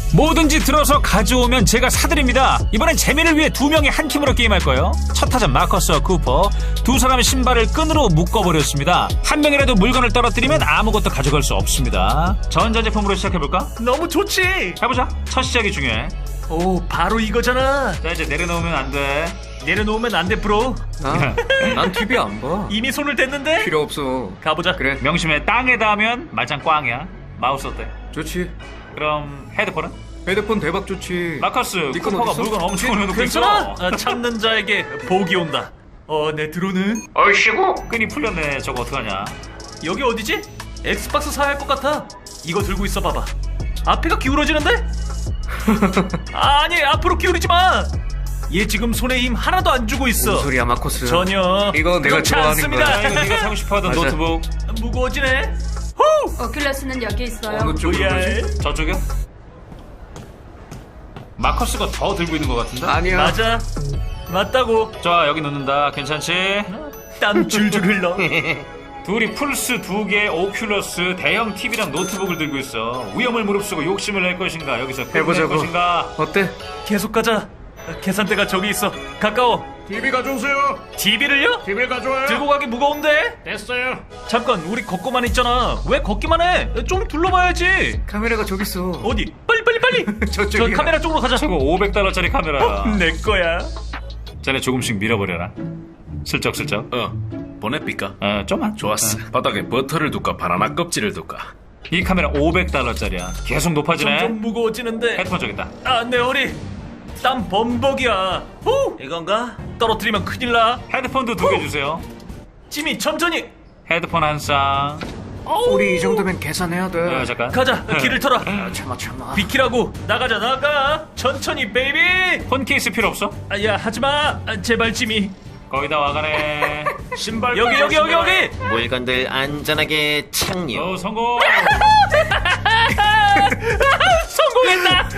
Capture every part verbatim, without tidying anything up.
뭐든지 들어서 가져오면 제가 사드립니다. 이번엔 재미를 위해 두 명이 한 팀으로 게임할 거예요. 첫 타자 마커스와 쿠퍼, 두 사람의 신발을 끈으로 묶어버렸습니다. 한 명이라도 물건을 떨어뜨리면 아무것도 가져갈 수 없습니다. 전자제품으로 시작해볼까? 너무 좋지. 해보자. 첫 시작이 중요해. 오, 바로 이거잖아. 자, 이제 내려놓으면 안 돼. 내려놓으면 안 돼, 브로. 나? 난 티비 안 봐. 이미 손을 댔는데. 필요 없어. 가보자. 그래. 명심해. 땅에다 하면 말짱 꽝이야. 마우스 어때? 좋지. 그럼 헤드폰은? 헤드폰 대박 좋지. 마커스, 네 건 쿠퍼가 어딨어? 물건 엄청 올려놓고 있어. 괜찮아. 아, 찾는 자에게 복이 온다. 어, 내 드론은? 얼씨구 끈이 풀렸네. 저거 어떡하냐. 여기 어디지? 엑스박스 사야 할 것 같아. 이거 들고 있어 봐봐. 앞에가 기울어지는데? 아니, 앞으로 기울이지 마. 얘 지금 손에 힘 하나도 안 주고 있어. 무슨 소리야 마커스. 전혀. 이거 내가 그렇지 좋아하는 않습니다. 거야. 아, 이거 네가 사고 싶어하던 맞아. 노트북. 무거워지네. 후! 오큘러스는 여기 있어요. 어느 쪽으로 브이알. 가지? 저쪽이요? 마커스가 더 들고 있는 것 같은데? 아니야. 맞아. 맞다고. 자, 여기 놓는다. 괜찮지? 땀 줄줄 흘러. 둘이 플스 두 개, 오큘러스, 대형 티비랑 노트북을 들고 있어. 위험을 무릅쓰고 욕심을 낼 것인가? 여기서 끝낼 해보자고. 것인가? 어때? 계속 가자. 계산대가 저기 있어. 가까워. 티비 가져오세요. 티비를요? 티비 가져와요. 들고 가기 무거운데? 됐어요. 잠깐, 우리 걷고만 있잖아. 왜 걷기만 해? 좀 둘러봐야지. 카메라가 저기 있어. 어디? 빨리 빨리 빨리. 저쪽이야. 저 카메라 쪽으로 가자. 저거 오백 달러짜리 카메라야. 내 거야. 쟤네 조금씩 밀어버려라. 슬쩍슬쩍. 어, 보내삐까? 어, 좀만. 좋았어. 바닥에 버터를 둘까 바나나 껍질을 둘까? 이 카메라 오백 달러짜리야. 계속 높아지네. 점점 무거워지는데. 헤드폰 저기 있다. 아, 내 허리. 땀 범벅이야. 후! 이건가? 떨어뜨리면 큰일 나. 헤드폰도 두 개 주세요. 지미, 천천히. 헤드폰 한 쌍. 우리 이 정도면 계산해야 돼. 어, 잠깐. 가자. 길을 털어. 아, 참아 참아. 비키라고. 나가자, 나가. 천천히, 베이비. 폰 케이스 필요 없어? 아, 야, 하지마. 아, 제발, 지미. 거의 다 와가네. 신발 여기, 여기, 여기, 여기. 물건들 안전하게 착륙. 어, 성공. 성공했다.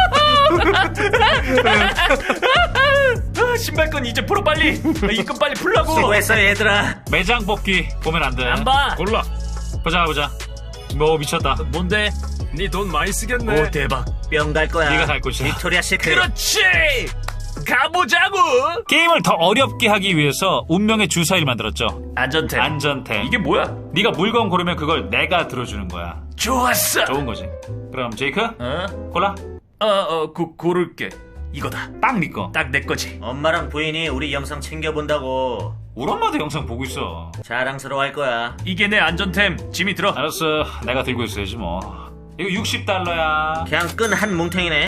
아, 신발끈 이제 풀어 빨리. 입금 빨리 풀라고. 수고했어 얘들아. 매장 뽑기 보면 안 돼. 안 봐. 골라. 보자 보자. 뭐 미쳤다. 뭔데? 네 돈 많이 쓰겠네. 오, 대박. 뿅 갈 거야. 네가 살 곳이야. 빅토리아 시크릿. 그렇지. 가보자고. 게임을 더 어렵게 하기 위해서 운명의 주사위를 만들었죠. 안전템. 안전템. 이게 뭐야? 네가 물건 고르면 그걸 내가 들어주는 거야. 좋았어. 좋은 거지. 그럼 제이크 어? 골라. 어, 어, 고, 고를게. 이거다. 딱 네 거. 딱 내 거지. 엄마랑 부인이 우리 영상 챙겨본다고 우리 엄마도 영상 보고 있어. 자랑스러워할 거야. 이게 내 안전템. 지미 들어. 알았어. 내가 들고 있어야지 뭐. 이거 육십 달러야. 그냥 끈 한 뭉탱이네.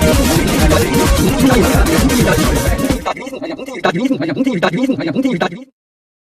몽탱이 몽탱이 몽탱이 몽탱이